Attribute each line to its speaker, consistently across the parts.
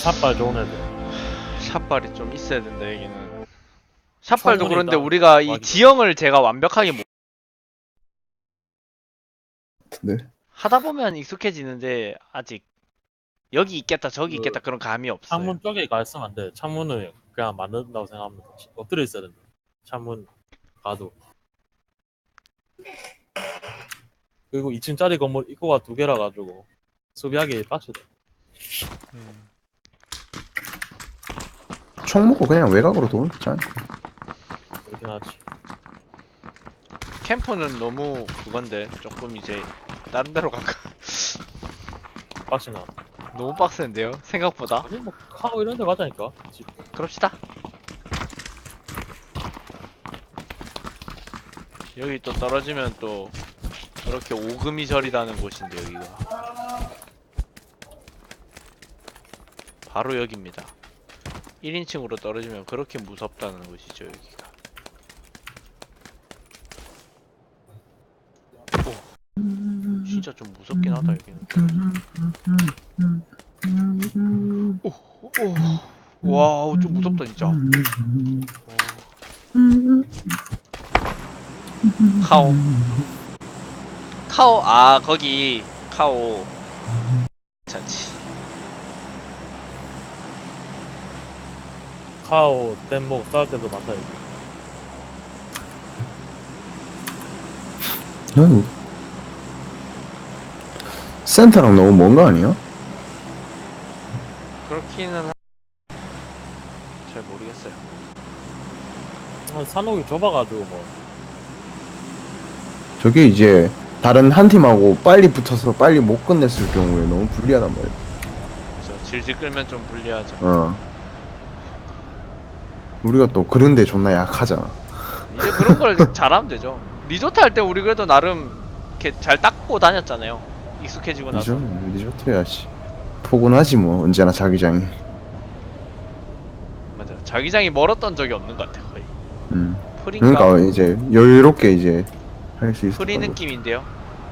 Speaker 1: 샷발 좋은 애들.
Speaker 2: 샷발이 좀 있어야 된다 여기는. 샷발도
Speaker 1: 충분히
Speaker 2: 그런데
Speaker 1: 있다.
Speaker 2: 우리가 이
Speaker 1: 맞아.
Speaker 2: 지형을 제가 완벽하게 못
Speaker 3: 같은데.
Speaker 2: 하다 보면 익숙해지는데 아직 여기 있겠다 저기
Speaker 1: 그
Speaker 2: 있겠다 그런 감이 없어요.
Speaker 1: 창문 쪽에 가 있으면 안 돼. 창문을 그냥 만든다고 생각합니다. 엎드려 있어야 된다. 창문 가도. 그리고 2층짜리 건물 입구가 2개라 가지고 수비하기 빡시다.
Speaker 2: 음.
Speaker 3: 총 먹고 그냥 외곽으로 도는 거잖아.
Speaker 1: 그렇긴 하지.
Speaker 2: 캠프는 너무 그건데 조금 이제 다른 데로 갈까?
Speaker 1: 빡시나.
Speaker 2: 너무 빡센데요? 생각보다?
Speaker 1: 아니 뭐 카고 이런 데 가자니까. 집.
Speaker 2: 그럽시다. 여기 또 떨어지면 또 그렇게 오금이 저리다는 곳인데 여기가 바로 여기입니다. 1인칭으로 떨어지면 그렇게 무섭다는 곳이죠 여기가. 오, 진짜 좀 무섭긴 하다 여기는. 오, 와, 좀 무섭다 진짜. 와. 카오. 카오, 아 거기 카오. 괜찮지.
Speaker 1: 카오 뗏목 싸울 때도 많다 여기.
Speaker 3: 난 센터랑 너무 먼 거 아니야?
Speaker 2: 그렇기는 잘 모르겠어요.
Speaker 1: 산옥이 좁아가지고 뭐.
Speaker 3: 저게 이제 다른 한 팀하고 빨리 붙어서 빨리 못 끝냈을 경우에 너무 불리하단 말이야.
Speaker 2: 그래서 질질 끌면 좀 불리하죠.
Speaker 3: 우리가 또 그런데 존나 약하잖아.
Speaker 2: 이제 그런 걸 잘하면 되죠. 리조트 할 때 우리 그래도 나름 이렇게 잘 닦고 다녔잖아요. 익숙해지고 나서.
Speaker 3: 리조트야 씨. 포근하지 뭐 언제나 자기장이.
Speaker 2: 맞아. 자기장이 멀었던 적이 없는 것 같아 거의. 프린가?
Speaker 3: 그러니까 이제 여유롭게 이제 할 수 있어.
Speaker 2: 프리 느낌인데요.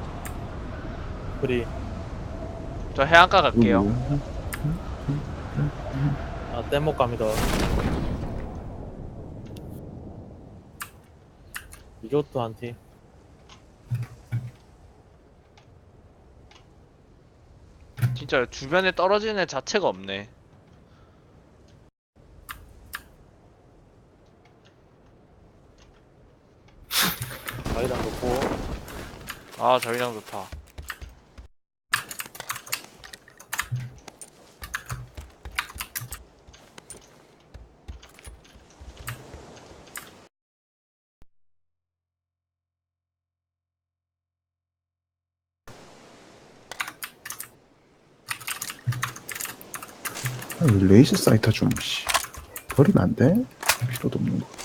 Speaker 1: 프리.
Speaker 2: 저 해안가 갈게요.
Speaker 1: 아 뗏목 갑니다. 리조트 한 팀.
Speaker 2: 진짜 주변에 떨어지는 애 자체가 없네.
Speaker 1: 자기장 놓고.
Speaker 2: 아 저기랑 좋다.
Speaker 3: 레이저 사이터 좀 씨. 버리면 안 돼? 필요도 없는 거.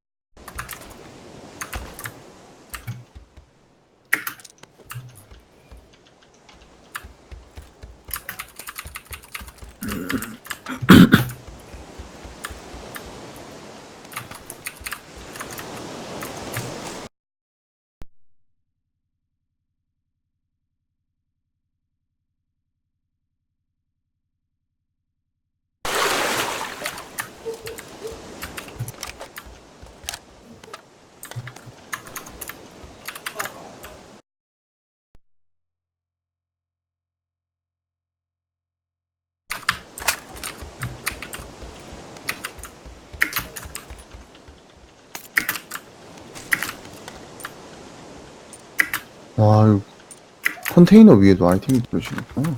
Speaker 3: 와, 이거 컨테이너 위에도 아이템이 들어지겠구나.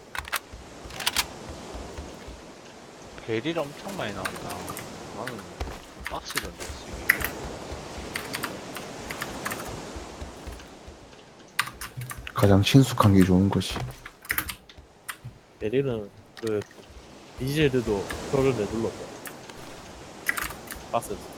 Speaker 2: 베릴 엄청 많이 나온다. 나는 빡시던데 지금.
Speaker 3: 가장 친숙한 게 좋은 것이.
Speaker 1: 베릴은 그 디젤들도 표를 내둘렀다. 빡셌어.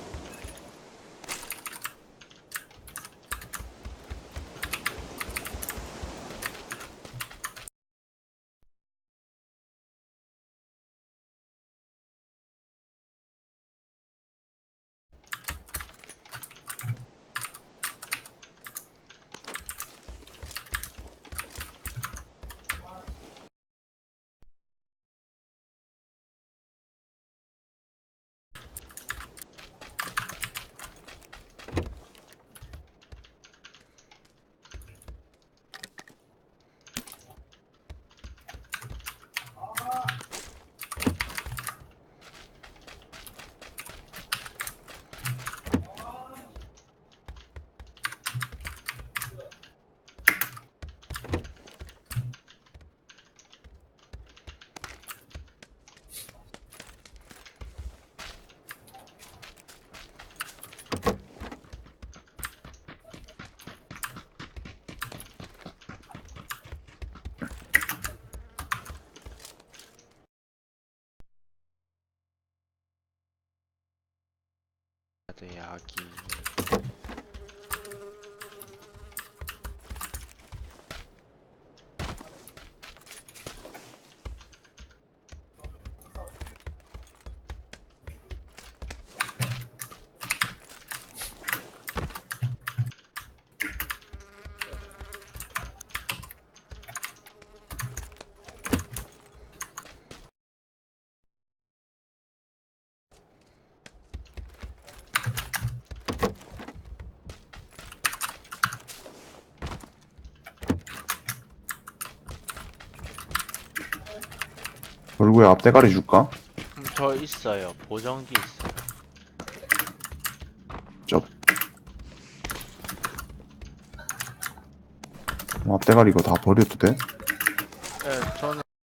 Speaker 2: 야기.
Speaker 3: 얼굴에 앞대가리 줄까?
Speaker 2: 저 있어요. 보정기 있어요.
Speaker 3: 쩝. 앞대가리 이거 다 버려도 돼?
Speaker 2: 네,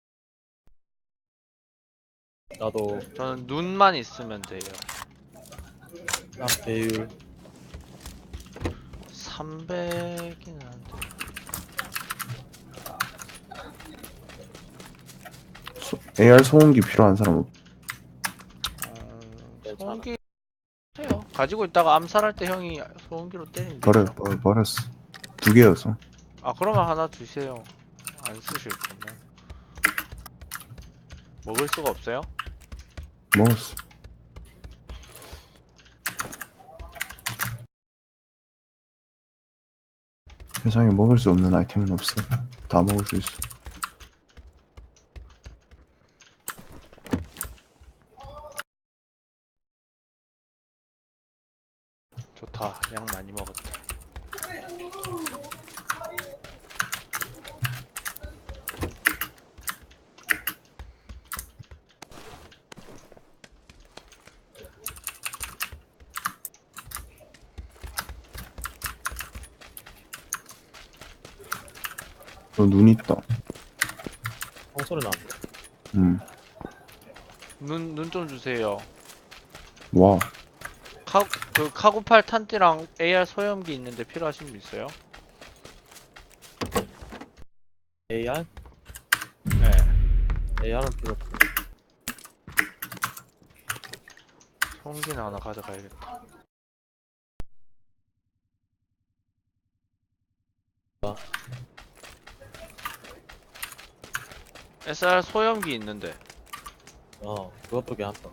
Speaker 1: 나도
Speaker 2: 저는 눈만 있으면 돼요.
Speaker 1: 난 배율
Speaker 2: 300이긴 한데.
Speaker 3: AR 소음기 필요한 사람
Speaker 1: 괜찮아.
Speaker 2: 소음기 해요. 가지고 있다가 암살할 때 형이 소음기로 때리면 되죠.
Speaker 3: 버렸어. 2개였어.
Speaker 2: 아 그러면 하나 주세요. 안 쓰실 거면. 먹을 수가 없어요?
Speaker 3: 먹었어. 세상에 먹을 수 없는 아이템은 없어. 다 먹을 수 있어.
Speaker 2: 좋다. 양 많이 먹었다.
Speaker 3: 너 눈 있다.
Speaker 1: 총소리 나는데.
Speaker 2: 눈 좀 주세요.
Speaker 3: 와.
Speaker 2: 그 카고팔 탄띠랑 AR 소염기 있는데 필요하신 분 있어요?
Speaker 1: AR?
Speaker 2: 네.
Speaker 1: AR은 필요 없고.
Speaker 2: 소음기는 하나 가져가야겠다. SR 소염기 있는데.
Speaker 1: 그것도 괜찮다.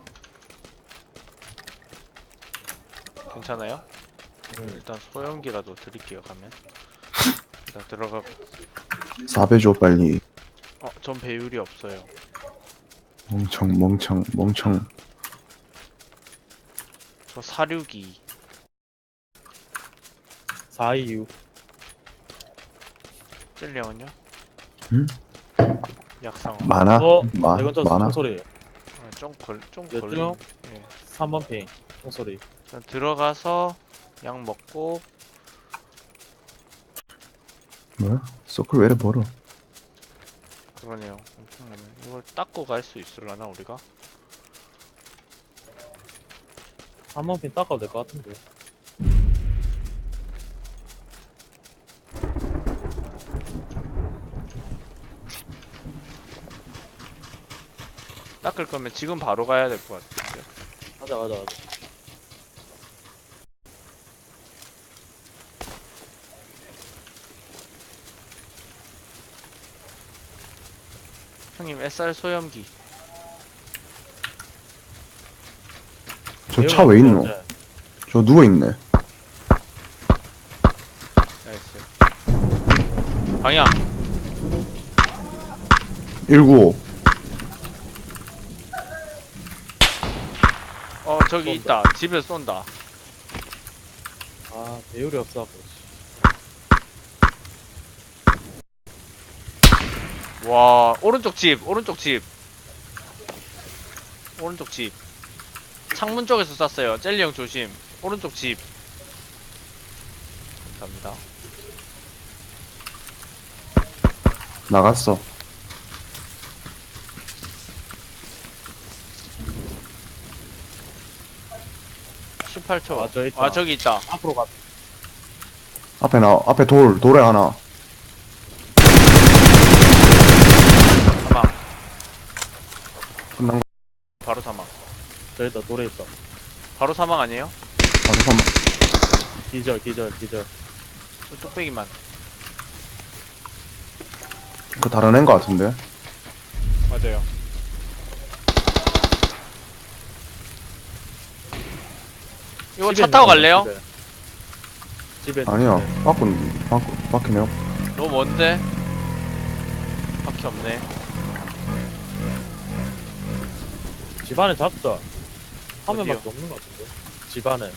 Speaker 2: 괜찮아요? 일단 소염기라도 드릴게요. 가면 일단 들어가.
Speaker 3: 4배 줘 빨리.
Speaker 2: 전 배율이 없어요.
Speaker 3: 멍청.
Speaker 2: 저 사륙이
Speaker 1: 426.
Speaker 2: 찔려면요?
Speaker 3: 응?
Speaker 2: 약상.
Speaker 3: 많아?
Speaker 1: 이건 저
Speaker 3: 많아?
Speaker 1: 총소리예요.
Speaker 2: 좀
Speaker 1: 몇
Speaker 2: 걸리.
Speaker 1: 명?
Speaker 2: 예.
Speaker 1: 3번 핑. 총소리.
Speaker 2: 일단 들어가서 약 먹고.
Speaker 3: 뭐야? 서클 왜 이래 멀어?
Speaker 2: 그러네요. 엄청나네. 이걸 닦고 갈 수 있을라나 우리가?
Speaker 1: 3번 핑 닦아도 될 것 같은데.
Speaker 2: 닦을 거면 지금 바로 가야 될 것 같은데.
Speaker 1: 가자.
Speaker 2: 형님 SR 소염기.
Speaker 3: 저 차 왜 있노? 저 누워있네.
Speaker 2: 나이스. 방향.
Speaker 3: 195.
Speaker 2: 저기
Speaker 1: 쏜다.
Speaker 2: 있다. 집에 쏜다.
Speaker 1: 아, 배율이 없어갖고.
Speaker 2: 와, 오른쪽 집. 창문 쪽에서 쐈어요. 젤리 형 조심. 오른쪽 집. 감사합니다.
Speaker 3: 나갔어.
Speaker 2: 18초.
Speaker 1: 아, 저 있다.
Speaker 2: 저기 있다.
Speaker 1: 앞으로 가.
Speaker 3: 앞에 돌에 하나.
Speaker 2: 사망.
Speaker 3: 끝난 거.
Speaker 2: 바로 사망.
Speaker 1: 저 있다, 돌에 있다.
Speaker 2: 바로 사망 아니에요?
Speaker 3: 잠깐만.
Speaker 1: 기절.
Speaker 2: 뚝배기만.
Speaker 3: 그 다른 애인 거 같은데.
Speaker 2: 맞아요. 이거 차 타고 갈래요?
Speaker 1: 집에
Speaker 3: 아니야. 밖이네요.
Speaker 2: 너무 먼데? 밖에 없네.
Speaker 1: 집 안에 잡자. 화면밖에
Speaker 2: 어디요?
Speaker 1: 없는 것 같은데. 집 안에.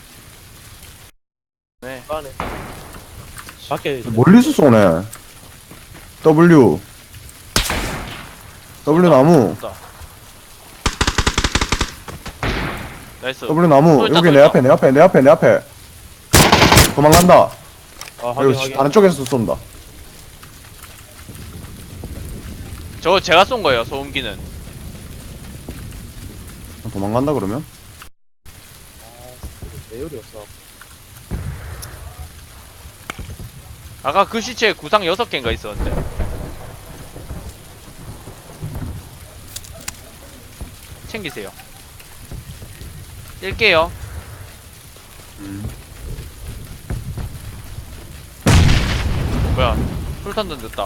Speaker 2: 네.
Speaker 1: 집 안에. 밖에
Speaker 3: 멀리서 쏘네. W 나무.
Speaker 2: 없다. 나이스.
Speaker 3: W 나무.
Speaker 2: 또 있다,
Speaker 3: 여기
Speaker 2: 또
Speaker 3: 내
Speaker 2: 있다.
Speaker 3: 앞에, 내 앞에. 도망간다.
Speaker 1: 아,
Speaker 3: 여기
Speaker 1: 확인.
Speaker 3: 다른 쪽에서 쏜다.
Speaker 2: 저 제가 쏜 거예요, 소음기는.
Speaker 3: 도망간다 그러면?
Speaker 1: 배율이 없어.
Speaker 2: 아까 그 시체에 구상 6개인가 있었는데. 챙기세요. 뛸게요. 뭐야, 술탄 던졌다.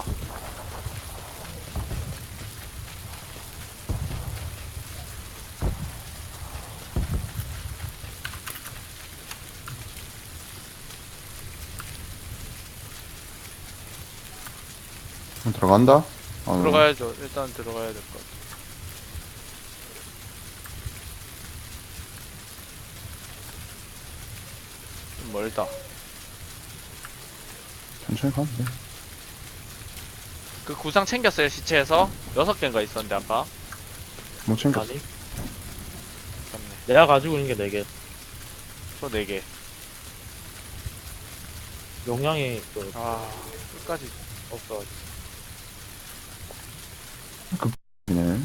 Speaker 3: 들어간다?
Speaker 2: 들어가야죠. 일단 들어가야 될 것 같아. 좀 멀다.
Speaker 3: 천천히 가면 돼.
Speaker 2: 그 구상 챙겼어요, 시체에서? 6개인가 있었는데, 아까?
Speaker 3: 못 챙겼어.
Speaker 1: 아니,
Speaker 2: 맞네.
Speaker 1: 내가 가지고 있는 게 4개.
Speaker 2: 저 4개.
Speaker 1: 용량이 그
Speaker 2: 아, 끝까지.
Speaker 1: 없어.
Speaker 3: 네.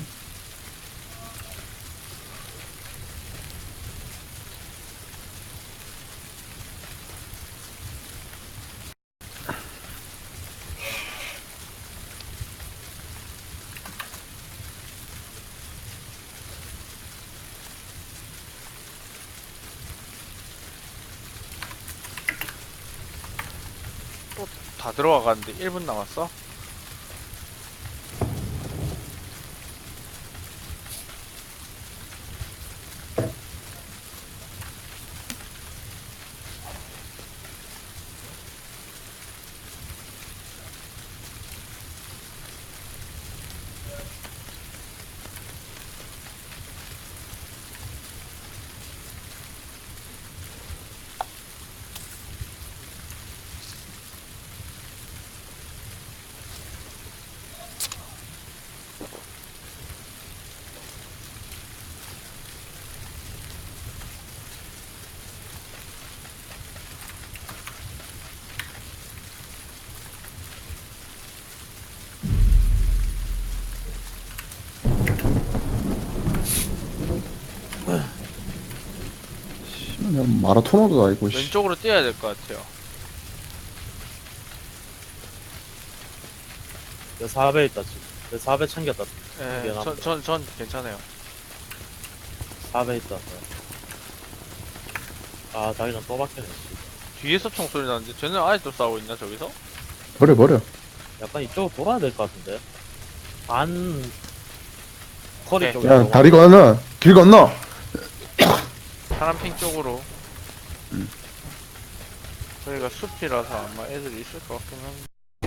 Speaker 2: 다 들어가가는데 1분 남았어?
Speaker 3: 마라토너도 아니고. 씨.
Speaker 2: 왼쪽으로 뛰어야 될 것 같아요.
Speaker 1: 내 4배 있다, 지금. 내 4배 챙겼다.
Speaker 2: 예,
Speaker 1: 미안합니다.
Speaker 2: 전 괜찮아요.
Speaker 1: 4배 있다. 아, 자기장 또 박히네. 씨.
Speaker 2: 뒤에서 총소리 나는데 쟤는 아직도 싸우고 있나 저기서?
Speaker 3: 버려.
Speaker 1: 약간 이쪽으로 돌아야 될 것 같은데. 반 커리
Speaker 2: 오케이.
Speaker 1: 쪽에.
Speaker 3: 야, 다리 건너. 길 건너.
Speaker 2: 파란핑 쪽으로. 저희가 숲이라서 아마 애들이 있을 것 같긴 한데.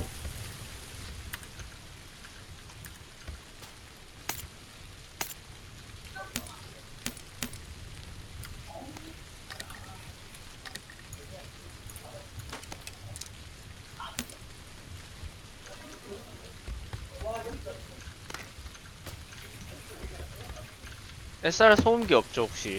Speaker 2: SR 소음기 없죠 혹시?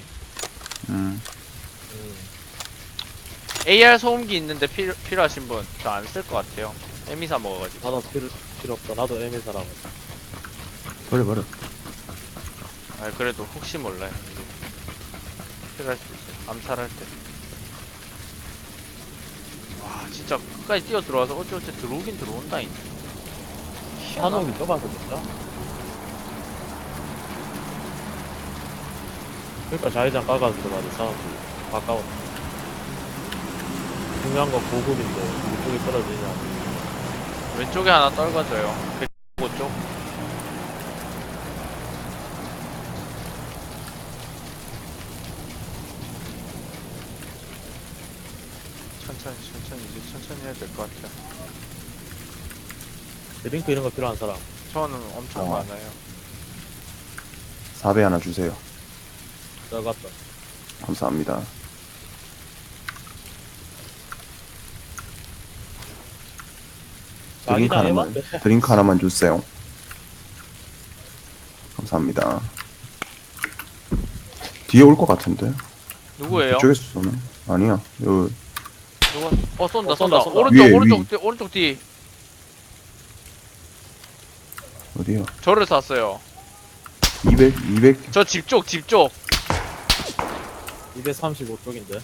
Speaker 2: AR 소음기 있는데 필요하신 분? 저 안 쓸 것 같아요. 에미사 먹어가지고.
Speaker 1: 나도 필요 없다. 나도 애매사라고.
Speaker 3: 버려.
Speaker 2: 아 그래도 혹시 몰라요. 필요할 수도 있어요. 암살할 때. 와 진짜 끝까지 뛰어 들어와서 어찌어찌 들어오긴 들어온다잉.
Speaker 1: 한옥이 좁아서 진짜. 그러니까 자회장 까가지고 들어가야 돼. 사람들이 가까워. 중요한 건 보급인데 이쪽이 떨어지냐.
Speaker 2: 왼쪽에 하나 떨궈져요. 105쪽. 천천히 이제 천천히 해야 될 것 같아요.
Speaker 1: 드링크 이런 거 필요한 사람.
Speaker 2: 저는 엄청 많아요.
Speaker 3: 4배 하나 주세요.
Speaker 1: 들어갔다.
Speaker 3: 감사합니다. 드링크
Speaker 1: 자기장
Speaker 3: 하나만,
Speaker 1: 해봤대.
Speaker 3: 드링크 하나만 주세요. 감사합니다. 뒤에 올 것 같은데?
Speaker 2: 누구예요?
Speaker 3: 이쪽에서 쏘네. 아니야. 요,
Speaker 2: 누가? 쏜다.
Speaker 1: 쏜다.
Speaker 2: 오른쪽
Speaker 3: 위에,
Speaker 2: 오른쪽 뒤.
Speaker 3: 어디야?
Speaker 2: 저를 쐈어요.
Speaker 3: 200?
Speaker 2: 저 집 쪽.
Speaker 1: 235쪽인데.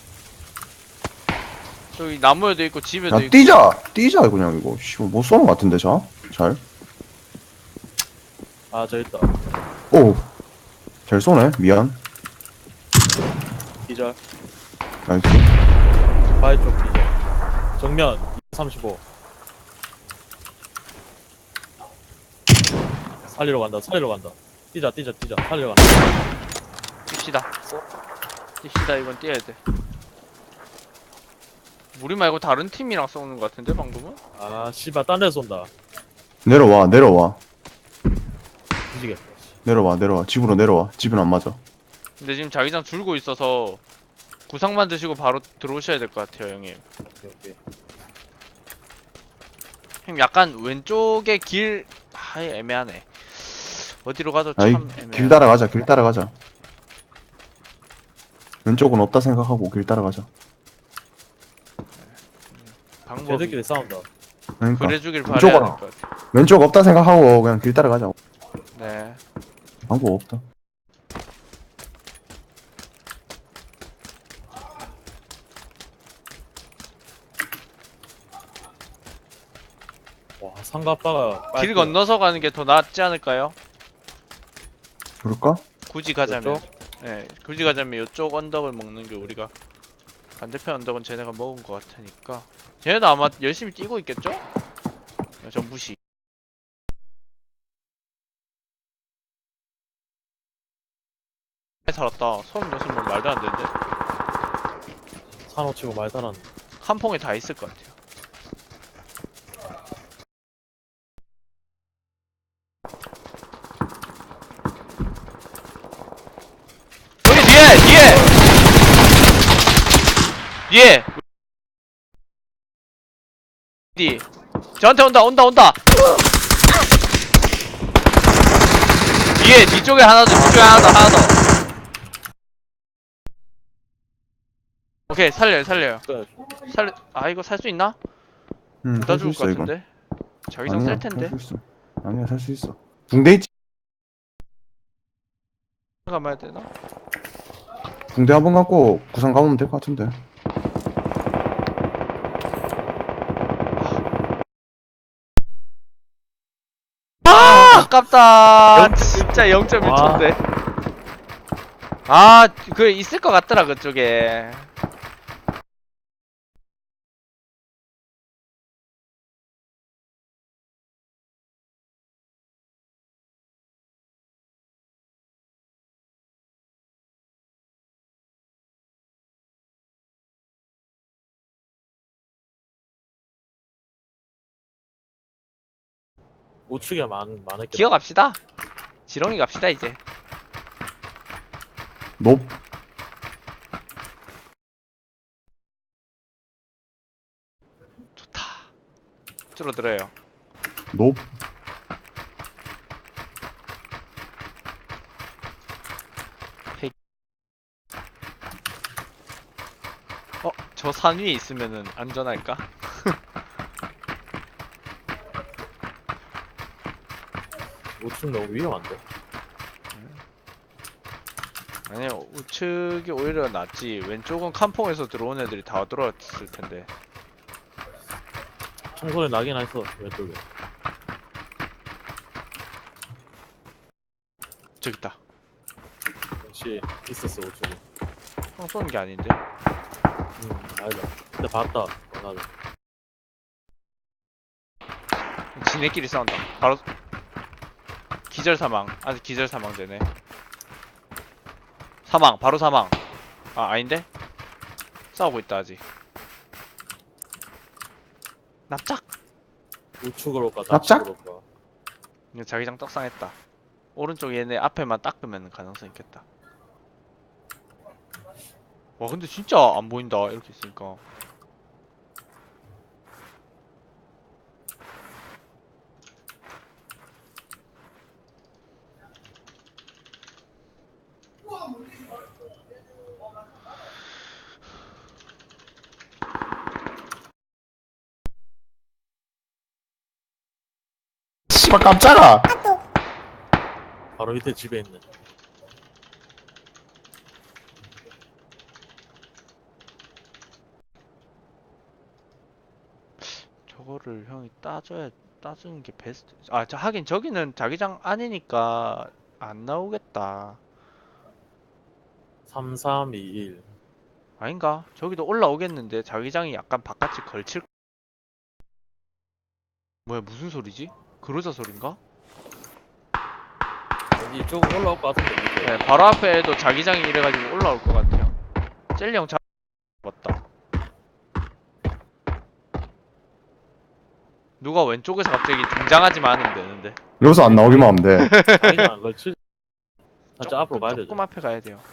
Speaker 2: 저기 나무에도 있고 집에도
Speaker 3: 야,
Speaker 2: 있고.
Speaker 3: 뛰자, 그냥 이거. 씨, 못 쏘는 것 같은데, 잘?
Speaker 1: 아, 저 있다.
Speaker 3: 오! 잘 쏘네. 미안.
Speaker 1: 기절.
Speaker 3: 나이스.
Speaker 1: 바위 쪽 기절. 정면 235. 살리러 간다. 뛰자. 살리러 간다.
Speaker 2: 뜁시다. 이건 뛰어야 돼. 우리 말고 다른 팀이랑 싸우는 것 같은데 방금은?
Speaker 1: 아, 씨발, 딴 데서 쏜다.
Speaker 3: 내려와.
Speaker 1: 뒤지겠다.
Speaker 3: 내려와. 집으로 내려와. 집은 안 맞아.
Speaker 2: 근데 지금 자기장 줄고 있어서 구상만 드시고 바로 들어오셔야 될 것 같아요, 형님.
Speaker 1: 오케이.
Speaker 2: 형님 약간 왼쪽에 길 애매하네. 어디로 가도 참
Speaker 3: 아이,
Speaker 2: 애매해.
Speaker 3: 길 따라가자. 왼쪽은 없다 생각하고 길 따라가자.
Speaker 2: 방법이
Speaker 1: 걔들끼리 싸운다.
Speaker 3: 그러니까.
Speaker 2: 그래주길
Speaker 3: 왼쪽으로.
Speaker 2: 바라야 될 것 같아.
Speaker 3: 왼쪽 없다 생각하고 그냥 길 따라가자.
Speaker 2: 네.
Speaker 3: 방법 없다.
Speaker 1: 와, 상가빠가
Speaker 2: 길 건너서 가는 게 더 낫지 않을까요?
Speaker 3: 그럴까?
Speaker 2: 굳이 가자면.
Speaker 1: 이쪽?
Speaker 2: 네, 굳이 가자면 이쪽 언덕을 먹는 게 우리가 반대편 언덕은 쟤네가 먹은 것 같으니까. 쟤네도 아마 열심히 뛰고 있겠죠? 전 무시. 살았다. 36명 말도 안 되는데.
Speaker 1: 산호치고 말다란.
Speaker 2: 한 통에 다 있을 것 같아요. 여기 뒤에! 뒤. 저한테 온다. 뒤쪽에 하나 더. 오케이, 살려요.
Speaker 1: 끝.
Speaker 2: 이거 살 수 있나?
Speaker 3: 응,
Speaker 2: 부다
Speaker 3: 살 수
Speaker 2: 죽을 것
Speaker 3: 있어, 이건.
Speaker 2: 같은데? 자기장 셀 텐데?
Speaker 3: 아니야, 살 수 있어. 붕대 있지?
Speaker 2: 가봐야 되나?
Speaker 3: 붕대 한번 갖고 구상 가보면 될 것 같은데.
Speaker 2: 아깝다. 진짜 0.1초인데. 그 있을 것 같더라 그쪽에.
Speaker 1: 우측에 많았겠다.
Speaker 2: 기어갑시다. 지렁이 갑시다 이제.
Speaker 3: 높.
Speaker 2: 좋다. 줄어들어요.
Speaker 3: 높.
Speaker 2: 저 산 위에 있으면은 안전할까?
Speaker 1: 우측 너무 위험한데.
Speaker 2: 아니요, 우측이 오히려 낫지. 왼쪽은 칸퐁에서 들어온 애들이 다 들어왔을 텐데.
Speaker 1: 총소리 나긴 했어, 왼쪽에.
Speaker 2: 저기 있다.
Speaker 1: 역시 있었어, 우측에.
Speaker 2: 총 쏘는 게 아닌데.
Speaker 1: 아니다. 근데 봤다. 맞아.
Speaker 2: 지네끼리 싸운다. 바로 기절 사망. 아직 기절 사망 되네. 사망. 바로 사망. 아 아닌데? 싸우고 있다 아직. 납작.
Speaker 1: 우측으로 가,
Speaker 3: 납작?
Speaker 1: 좌측으로 가.
Speaker 2: 이거 자기장 떡상했다. 오른쪽 얘네 앞에만 닦으면 가능성 있겠다. 와 근데 진짜 안 보인다 이렇게 있으니까.
Speaker 3: 씨발 깜짝아.
Speaker 1: 바로 밑에 집에 있네.
Speaker 2: 저거를 형이 따주는 게 베스트. 아, 하긴 저기는 자기장 아니니까 안 나오겠다.
Speaker 1: 3321.
Speaker 2: 아닌가? 저기도 올라오겠는데 자기장이 약간 바깥이 걸칠. 뭐야 무슨 소리지? 그러자 소린가?
Speaker 1: 이쪽 올라올 것 같은데. 밑에.
Speaker 2: 네, 바로 앞에도 자기장이 이래가지고 올라올 것 같아요. 젤리 형 맞다. 누가 왼쪽에서 갑자기 등장하지만 않으면 되는데.
Speaker 3: 여기서 안 나오기만 하면 돼.
Speaker 1: 아니야, 그렇지. 살짝 앞으로 가야 되죠.
Speaker 2: 조금 앞에 가야 돼요.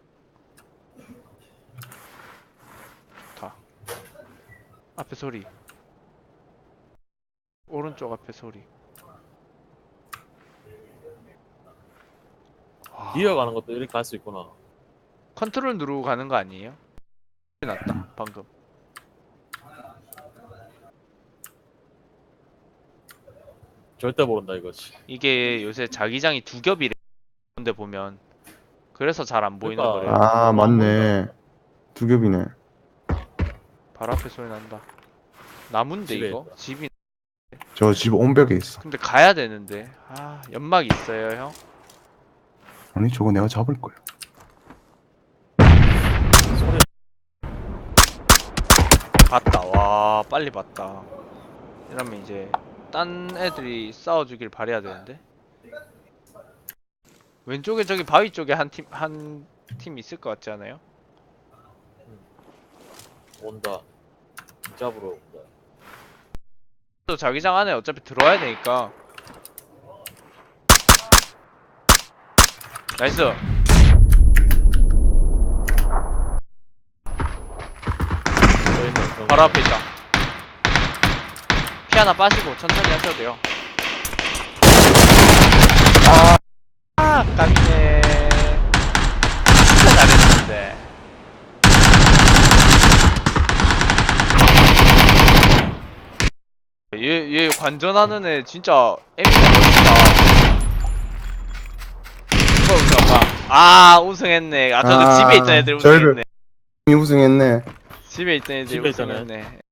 Speaker 2: 좋다. 앞에 소리. 오른쪽 앞에 소리.
Speaker 1: 이어가는 것도 이렇게 갈 수 있구나.
Speaker 2: 컨트롤 누르고 가는 거 아니에요? 났다 방금.
Speaker 1: 절대 모른다 이거지.
Speaker 2: 이게 요새 자기장이 두 겹이래. 근데 보면 그래서 잘 안 보이는
Speaker 1: 그러니까.
Speaker 2: 거래요.
Speaker 3: 아 맞네. 두 겹이네.
Speaker 2: 바로 앞에 소리 난다. 나무인데
Speaker 1: 집에
Speaker 2: 이거?
Speaker 1: 있다.
Speaker 2: 집이.
Speaker 3: 저 집 온벽에 있어.
Speaker 2: 근데 가야 되는데. 아 연막 있어요 형?
Speaker 3: 아니 저거 내가 잡을 거야.
Speaker 1: 소리.
Speaker 2: 봤다. 와 빨리 봤다. 이러면 이제 딴 애들이 싸워주길 바래야 되는데. 왼쪽에 저기 바위 쪽에 한 팀 있을 것 같지 않아요?
Speaker 1: 온다. 잡으러 온다.
Speaker 2: 또 자기장 안에 어차피 들어와야 되니까. 나이스. 바로 앞에 있다. 피 하나 빠지고 천천히 하셔도 돼요. 아, 깝네. 진짜 잘했는데. 얘 관전하는 애 진짜 에미가 멋있다. 이거 우승 아, 우승했네. 아, 저도 집에 있던 애들
Speaker 3: 저희들
Speaker 2: 우승했네.
Speaker 3: 우승했네.
Speaker 2: 집에 있던 애들
Speaker 1: 집에 있던 애.
Speaker 2: 우승했네.